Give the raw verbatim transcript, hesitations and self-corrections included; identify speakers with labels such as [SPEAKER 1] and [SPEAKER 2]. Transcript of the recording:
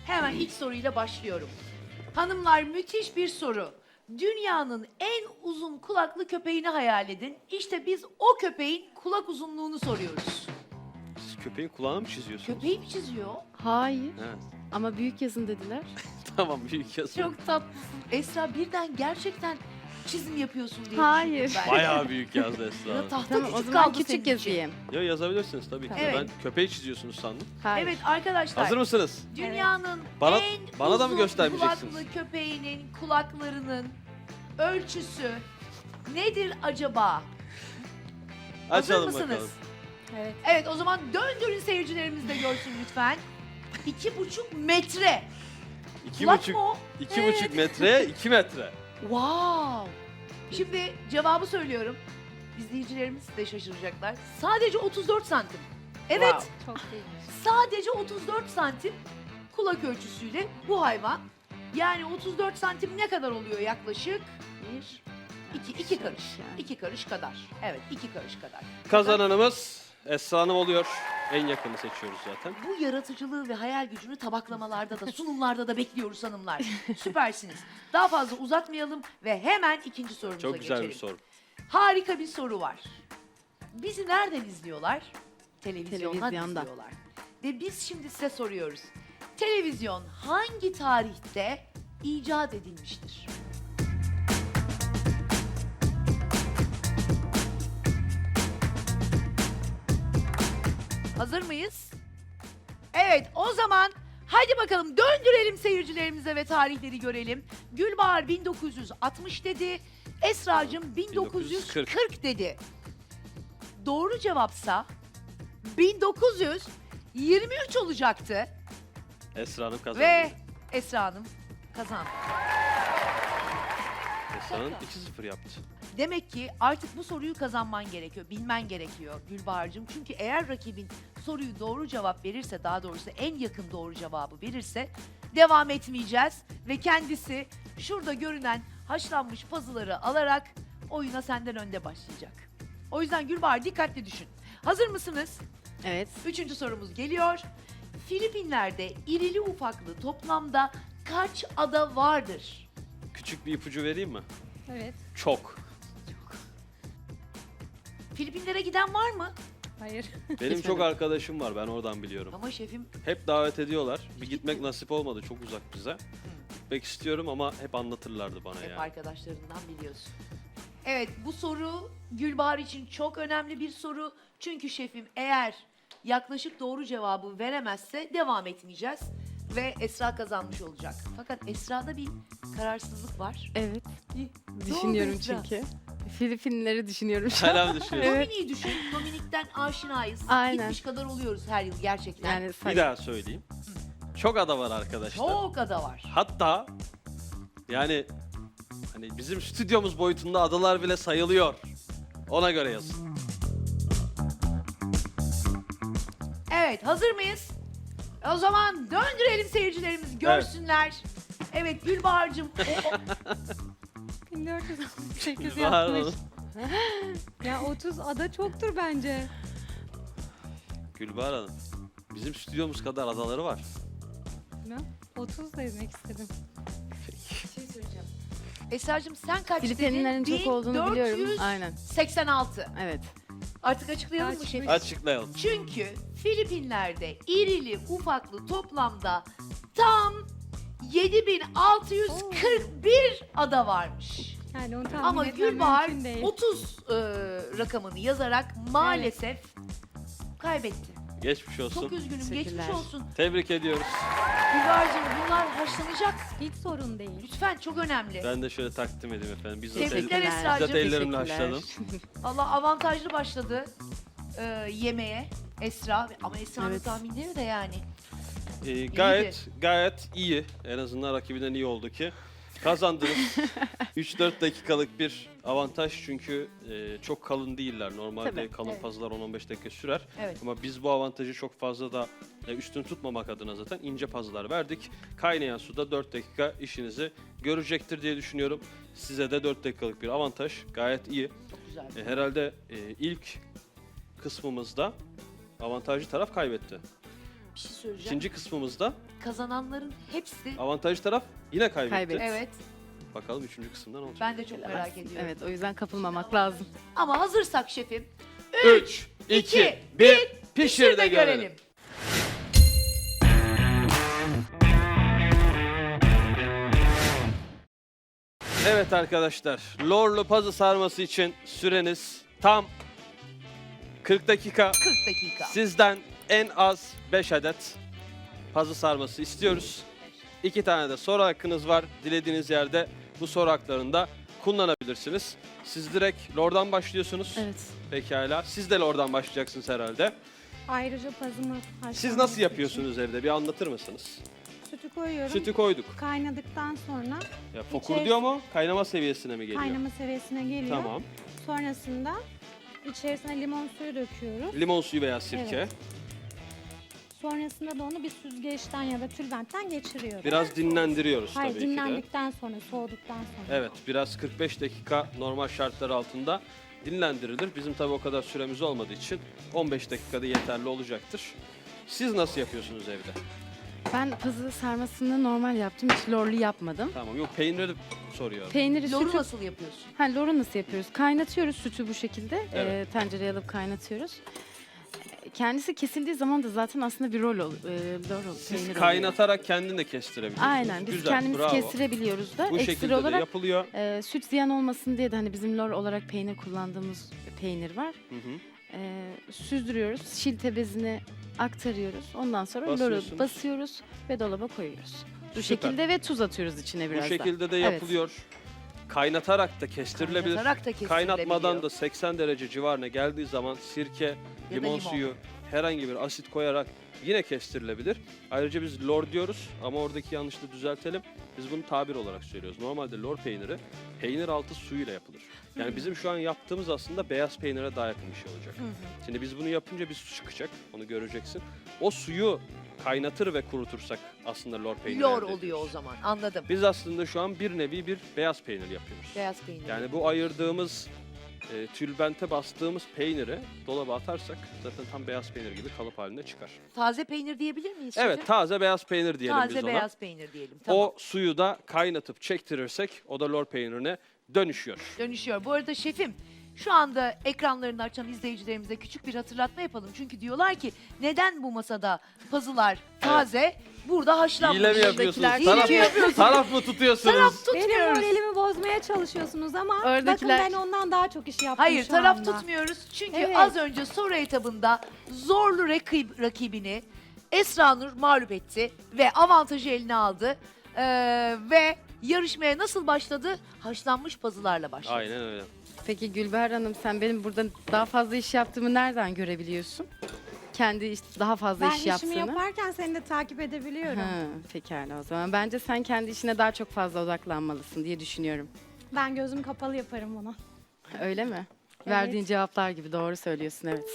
[SPEAKER 1] Hemen ilk soruyla başlıyorum. Hanımlar, müthiş bir soru. Dünyanın en uzun kulaklı köpeğini hayal edin. İşte biz o köpeğin kulak uzunluğunu soruyoruz.
[SPEAKER 2] Siz köpeğin kulağını mı çiziyorsunuz?
[SPEAKER 1] Köpeği mi çiziyor?
[SPEAKER 3] Hayır.
[SPEAKER 2] Evet.
[SPEAKER 3] Ama büyük yazın dediler.
[SPEAKER 2] Tamam, büyük yazın.
[SPEAKER 1] Çok tatlısın. Esra, birden gerçekten çizim yapıyorsun diye
[SPEAKER 3] Hayır.
[SPEAKER 1] düşündüm ben.
[SPEAKER 2] Bayağı büyük yazdı Esra
[SPEAKER 1] Ya
[SPEAKER 2] Hanım.
[SPEAKER 1] tahta
[SPEAKER 3] Tamam,
[SPEAKER 1] küçük
[SPEAKER 3] o zaman
[SPEAKER 1] kaldı senin
[SPEAKER 3] küçük
[SPEAKER 1] için.
[SPEAKER 3] yazayım.
[SPEAKER 2] Ya yazabilirsiniz tabii ki. de.
[SPEAKER 1] Evet.
[SPEAKER 2] Ben köpeği çiziyorsunuz sandım.
[SPEAKER 3] Hayır.
[SPEAKER 1] Evet arkadaşlar.
[SPEAKER 2] Hazır mısınız?
[SPEAKER 1] Dünyanın
[SPEAKER 2] Bana-
[SPEAKER 1] en
[SPEAKER 2] bana da mı
[SPEAKER 1] uzun
[SPEAKER 2] göstermeyeceksiniz?
[SPEAKER 1] kulaklı köpeğinin kulaklarının ölçüsü nedir acaba? Hazır
[SPEAKER 2] Açalım
[SPEAKER 1] mısınız?
[SPEAKER 2] bakalım.
[SPEAKER 1] Evet. Evet, o zaman döndürün, seyircilerimiz de görsün lütfen. İki buçuk metre.
[SPEAKER 2] İki
[SPEAKER 1] Kulak
[SPEAKER 2] buçuk,
[SPEAKER 1] mı o?
[SPEAKER 2] iki
[SPEAKER 1] Evet.
[SPEAKER 2] buçuk metreye iki metre.
[SPEAKER 1] Wow. Şimdi cevabı söylüyorum. İzleyicilerimiz de şaşıracaklar. Sadece otuz dört santim. Evet.
[SPEAKER 2] Wow.
[SPEAKER 3] Çok değil.
[SPEAKER 1] Sadece otuz dört santim kulak ölçüsüyle bu hayvan. Yani otuz dört santim ne kadar oluyor yaklaşık? Bir, iki, iki karış.
[SPEAKER 3] Yani.
[SPEAKER 1] İki karış kadar. Evet, iki karış kadar.
[SPEAKER 2] Kazananımız Esra Hanım oluyor. En yakını seçiyoruz zaten.
[SPEAKER 1] Bu yaratıcılığı ve hayal gücünü tabaklamalarda da, sunumlarda da bekliyoruz hanımlar. Süpersiniz. Daha fazla uzatmayalım ve hemen ikinci sorumuza
[SPEAKER 2] Çok güzel
[SPEAKER 1] geçelim.
[SPEAKER 2] bir soru.
[SPEAKER 1] Harika bir soru var. Bizi nereden izliyorlar? Televizyondan
[SPEAKER 3] Televizyonda.
[SPEAKER 1] izliyorlar. Ve biz şimdi size soruyoruz. Televizyon hangi tarihte icat edilmiştir? Hazır mıyız? Evet, o zaman hadi bakalım döndürelim seyircilerimize ve tarihleri görelim. Gülbahar bin dokuz yüz altmış dedi. Esra'cığım bin dokuz yüz kırk dedi. Doğru cevapsa bin dokuz yüz yirmi üç olacaktı
[SPEAKER 2] Esra Hanım kazandı.
[SPEAKER 1] ve Esra Hanım kazandı.
[SPEAKER 2] Esra Hanım iki sıfır yaptı.
[SPEAKER 1] Demek ki artık bu soruyu kazanman gerekiyor, bilmen gerekiyor Gülbahar'cığım. Çünkü eğer rakibin soruyu doğru cevap verirse, daha doğrusu en yakın doğru cevabı verirse devam etmeyeceğiz. Ve kendisi şurada görünen haşlanmış pazıları alarak oyuna senden önde başlayacak. O yüzden Gülbahar dikkatli düşün. Hazır mısınız?
[SPEAKER 3] Evet.
[SPEAKER 1] Üçüncü sorumuz geliyor. Filipinler'de irili ufaklı toplamda kaç ada vardır?
[SPEAKER 2] Küçük bir ipucu vereyim mi?
[SPEAKER 4] Evet.
[SPEAKER 2] Çok.
[SPEAKER 1] Filipinlere giden var mı?
[SPEAKER 4] Hayır.
[SPEAKER 2] Benim çok arkadaşım var, ben oradan biliyorum.
[SPEAKER 1] Ama şefim
[SPEAKER 2] Hep davet ediyorlar. Bir gitmek nasip olmadı, çok uzak bize. Gitmek istiyorum ama hep anlatırlardı bana
[SPEAKER 1] hep
[SPEAKER 2] yani.
[SPEAKER 1] arkadaşlarından biliyorsun. Evet, bu soru Gülbahar için çok önemli bir soru. Çünkü şefim eğer yaklaşık doğru cevabı veremezse devam etmeyeceğiz. Ve Esra kazanmış olacak. Fakat Esra'da bir kararsızlık var.
[SPEAKER 3] Evet.
[SPEAKER 1] Ne
[SPEAKER 3] Düşünüyorum
[SPEAKER 1] oldu Esra?
[SPEAKER 3] çünkü. Filipinleri düşünüyorum şu an.
[SPEAKER 2] Hala mı düşünüyorsun?
[SPEAKER 3] Evet.
[SPEAKER 1] Dominik'i düşün. Dominik'ten aşinayız.
[SPEAKER 3] Aynen.
[SPEAKER 1] Gitmiş kadar oluyoruz her yıl gerçekten.
[SPEAKER 3] Yani
[SPEAKER 2] Bir
[SPEAKER 3] say-
[SPEAKER 2] daha söyleyeyim. Çok ada var arkadaşlar.
[SPEAKER 1] Çok ada var.
[SPEAKER 2] Hatta yani hani bizim stüdyomuz boyutunda adalar bile sayılıyor. Ona göre yazın.
[SPEAKER 1] Evet, hazır mıyız? O zaman döndürelim, seyircilerimiz görsünler. Evet, Gülbahar'cığım o- o-
[SPEAKER 4] bin dört yüz altmış sekiz
[SPEAKER 2] Var
[SPEAKER 4] yapmış.
[SPEAKER 2] mı?
[SPEAKER 4] Ya otuz ada çoktur bence.
[SPEAKER 2] Gülbahar Hanım. Bizim stüdyomuz kadar adaları var.
[SPEAKER 4] Ne? otuz da demek istedim.
[SPEAKER 1] bir şey söyleyeceğim. Esra'cığım sen kaç
[SPEAKER 3] Filipinlerin
[SPEAKER 1] dedin?
[SPEAKER 3] çok olduğunu biliyorum.
[SPEAKER 1] bin dört yüz
[SPEAKER 3] Aynen.
[SPEAKER 1] seksen altı.
[SPEAKER 3] Evet.
[SPEAKER 1] Artık açıklayalım mı
[SPEAKER 4] Kaçmış?
[SPEAKER 1] şefim?
[SPEAKER 2] Açıklayalım.
[SPEAKER 1] Çünkü Filipinler'de irili ufaklı toplamda tam yedi bin altı yüz kırk bir ada varmış.
[SPEAKER 4] Yani onu tahmin
[SPEAKER 1] Ama
[SPEAKER 4] etmem
[SPEAKER 1] Gülbahar
[SPEAKER 4] mümkün değil.
[SPEAKER 1] otuz e, rakamını yazarak maalesef kaybetti.
[SPEAKER 2] Geçmiş olsun.
[SPEAKER 1] Çok üzgünüm, geçmiş
[SPEAKER 3] Teşekkürler.
[SPEAKER 1] olsun.
[SPEAKER 2] Tebrik ediyoruz.
[SPEAKER 1] Gülbahar'cığım bunlar haşlanacak.
[SPEAKER 4] Hiç sorun değil.
[SPEAKER 1] Lütfen, çok önemli.
[SPEAKER 2] Ben de şöyle takdim edeyim efendim. Bizzat, el,
[SPEAKER 1] Tebrikler
[SPEAKER 3] Teşekkürler.
[SPEAKER 1] Esra'cığım.
[SPEAKER 2] bizzat ellerimle
[SPEAKER 3] Teşekkürler.
[SPEAKER 2] haşladım.
[SPEAKER 1] Allah avantajlı başladı e, yemeğe Esra. Ama Esra'nın
[SPEAKER 3] Evet.
[SPEAKER 1] tahminleri de yani.
[SPEAKER 2] Ee, gayet gayet iyi. En azından rakibinden iyi oldu ki. Kazandınız. üç dört dakikalık bir avantaj çünkü e, çok kalın değiller. Normalde
[SPEAKER 3] Tabii.
[SPEAKER 2] kalın
[SPEAKER 1] Evet.
[SPEAKER 2] pazılar on on beş dakika sürer.
[SPEAKER 1] Evet.
[SPEAKER 2] Ama biz bu avantajı çok fazla da e, üstün tutmamak adına zaten ince pazılar verdik. Kaynayan suda dört dakika işinizi görecektir diye düşünüyorum. Size de dört dakikalık bir avantaj gayet iyi.
[SPEAKER 1] Çok güzel.
[SPEAKER 2] E, herhalde e, ilk kısmımızda avantajlı taraf kaybetti.
[SPEAKER 1] Bir şey söyleyeceğim.
[SPEAKER 2] İkinci kısmımızda
[SPEAKER 1] Kazananların hepsi...
[SPEAKER 2] avantajlı taraf yine kaybetti.
[SPEAKER 3] Kaybetti.
[SPEAKER 1] Evet.
[SPEAKER 2] Bakalım üçüncü kısımda ne olacak?
[SPEAKER 1] Ben de çok merak ediyorum.
[SPEAKER 3] Evet, o yüzden kapılmamak lazım.
[SPEAKER 1] Ama hazırsak şefim.
[SPEAKER 2] üç, iki, bir, pişir de görelim. Evet arkadaşlar, lorlu pazı sarması için süreniz tam kırk dakika.
[SPEAKER 1] kırk dakika.
[SPEAKER 2] Sizden en az beş adet pazı sarması istiyoruz. İki tane de soru hakkınız var. Dilediğiniz yerde bu soru haklarını da kullanabilirsiniz. Siz direkt lordan başlıyorsunuz.
[SPEAKER 3] Evet.
[SPEAKER 2] Pekala. Siz de lordan başlayacaksınız herhalde.
[SPEAKER 4] Ayrıca pazımı haşlanması
[SPEAKER 2] Siz nasıl
[SPEAKER 4] için
[SPEAKER 2] yapıyorsunuz evde? Bir anlatır mısınız?
[SPEAKER 4] Sütü koyuyorum.
[SPEAKER 2] Sütü koyduk.
[SPEAKER 4] Kaynadıktan sonra
[SPEAKER 2] Ya fokur diyor mu? Kaynama seviyesine mi geliyor?
[SPEAKER 4] kaynama seviyesine geliyor.
[SPEAKER 2] Tamam.
[SPEAKER 4] Sonrasında içerisine limon suyu döküyoruz.
[SPEAKER 2] Limon suyu veya sirke.
[SPEAKER 4] Evet. Sonrasında da onu bir süzgeçten ya da tülbentten geçiriyoruz.
[SPEAKER 2] Biraz dinlendiriyoruz
[SPEAKER 4] Hayır,
[SPEAKER 2] tabii ki de.
[SPEAKER 4] dinlendikten sonra, soğuduktan sonra.
[SPEAKER 2] Evet, biraz kırk beş dakika normal şartlar altında dinlendirilir. Bizim tabii o kadar süremiz olmadığı için on beş dakikada yeterli olacaktır. Siz nasıl yapıyorsunuz evde?
[SPEAKER 3] Ben pazı sarmasını normal yaptım. Hiç lorlu yapmadım.
[SPEAKER 2] Tamam, yok peyniri soruyorum.
[SPEAKER 3] Peyniri,
[SPEAKER 1] Loru
[SPEAKER 3] sütü...
[SPEAKER 1] nasıl yapıyorsun?
[SPEAKER 3] Ha, loru nasıl yapıyoruz? Kaynatıyoruz sütü bu şekilde.
[SPEAKER 2] Evet.
[SPEAKER 3] Ee, tencereye alıp kaynatıyoruz. Kendisi kesildiği zaman da zaten aslında bir rol ol, e, lor ol,
[SPEAKER 2] Siz
[SPEAKER 3] peynir oluyor.
[SPEAKER 2] kaynatarak kendin de kestirebiliyorsunuz.
[SPEAKER 3] Aynen, biz
[SPEAKER 2] Güzel,
[SPEAKER 3] kendimiz
[SPEAKER 2] bravo.
[SPEAKER 3] kestirebiliyoruz da.
[SPEAKER 2] Bu
[SPEAKER 3] Ekstra
[SPEAKER 2] şekilde de
[SPEAKER 3] olarak
[SPEAKER 2] yapılıyor.
[SPEAKER 3] e, süt ziyan olmasın diye de hani bizim lor olarak peynir kullandığımız peynir var.
[SPEAKER 2] Hı hı.
[SPEAKER 3] E, süzdürüyoruz, şilte bezine aktarıyoruz. Ondan sonra
[SPEAKER 2] Basıyorsunuz.
[SPEAKER 3] loru basıyoruz ve dolaba koyuyoruz. Bu
[SPEAKER 2] Süper.
[SPEAKER 3] şekilde ve tuz atıyoruz içine
[SPEAKER 2] Bu
[SPEAKER 3] biraz da.
[SPEAKER 2] şekilde de
[SPEAKER 3] Evet.
[SPEAKER 2] yapılıyor. Kaynatarak da kestirilebilir.
[SPEAKER 1] Kaynatarak da kestirilebiliyor.
[SPEAKER 2] Kaynatmadan da seksen derece civarına geldiği zaman sirke,
[SPEAKER 1] da
[SPEAKER 2] limon,
[SPEAKER 1] limon.
[SPEAKER 2] suyu, herhangi bir asit koyarak yine kestirilebilir. Ayrıca biz lor diyoruz ama oradaki yanlışlığı düzeltelim. Biz bunu tabir olarak söylüyoruz. Normalde lor peyniri peynir altı suyuyla yapılır. Yani bizim şu an yaptığımız aslında beyaz peynire daha yakın bir şey olacak. Şimdi biz bunu yapınca bir su çıkacak. Onu göreceksin. O suyu kaynatır ve kurutursak aslında lor peyniri
[SPEAKER 1] Lor
[SPEAKER 2] elde
[SPEAKER 1] oluyor
[SPEAKER 2] ediyoruz.
[SPEAKER 1] o zaman. Anladım.
[SPEAKER 2] Biz aslında şu an bir nevi bir beyaz peynir yapıyoruz.
[SPEAKER 1] Beyaz peynir.
[SPEAKER 2] Yani bu ayırdığımız e, tülbente bastığımız peyniri dolaba atarsak zaten tam beyaz peynir gibi kalıp halinde çıkar.
[SPEAKER 1] Taze peynir diyebilir miyiz?
[SPEAKER 2] Evet,
[SPEAKER 1] şefim?
[SPEAKER 2] taze beyaz peynir diyelim biz
[SPEAKER 1] Taze
[SPEAKER 2] ona.
[SPEAKER 1] beyaz peynir diyelim. Tamam.
[SPEAKER 2] O suyu da kaynatıp çektirirsek o da lor peynirine dönüşüyor.
[SPEAKER 1] Dönüşüyor. Bu arada şefim şu anda ekranlarını açan izleyicilerimize küçük bir hatırlatma yapalım. Çünkü diyorlar ki neden bu masada pazılar taze, burada haşlanmış.
[SPEAKER 2] Hile mi yapıyorsunuz?
[SPEAKER 1] Hile
[SPEAKER 2] Taraf,
[SPEAKER 1] mi yapıyorsunuz?
[SPEAKER 2] taraf mı tutuyorsunuz?
[SPEAKER 1] Taraf
[SPEAKER 4] Benim
[SPEAKER 1] tutmuyoruz.
[SPEAKER 4] moralimi bozmaya çalışıyorsunuz ama
[SPEAKER 3] Oradakiler-
[SPEAKER 4] bakın ben ondan daha çok iş yaptım
[SPEAKER 1] Hayır
[SPEAKER 4] şu
[SPEAKER 1] taraf
[SPEAKER 4] anda.
[SPEAKER 1] tutmuyoruz. Çünkü
[SPEAKER 4] Evet.
[SPEAKER 1] az önce soru etabında zorlu rakib, rakibini Esra Nur mağlup etti ve avantajı eline aldı. Ee, ve yarışmaya nasıl başladı? Haşlanmış pazılarla başladı.
[SPEAKER 2] Aynen öyle.
[SPEAKER 3] Peki Gülbahar Hanım, sen benim burada daha fazla iş yaptığımı nereden görebiliyorsun? Kendi iş, daha fazla
[SPEAKER 4] Ben
[SPEAKER 3] iş
[SPEAKER 4] işimi
[SPEAKER 3] yaptığını.
[SPEAKER 4] yaparken seni de takip edebiliyorum.
[SPEAKER 3] Ha, pekala o zaman. Bence sen kendi işine daha çok fazla odaklanmalısın diye düşünüyorum.
[SPEAKER 4] Ben gözüm kapalı yaparım bunu.
[SPEAKER 3] Öyle mi?
[SPEAKER 4] Evet.
[SPEAKER 3] Verdiğin cevaplar gibi doğru söylüyorsun, evet.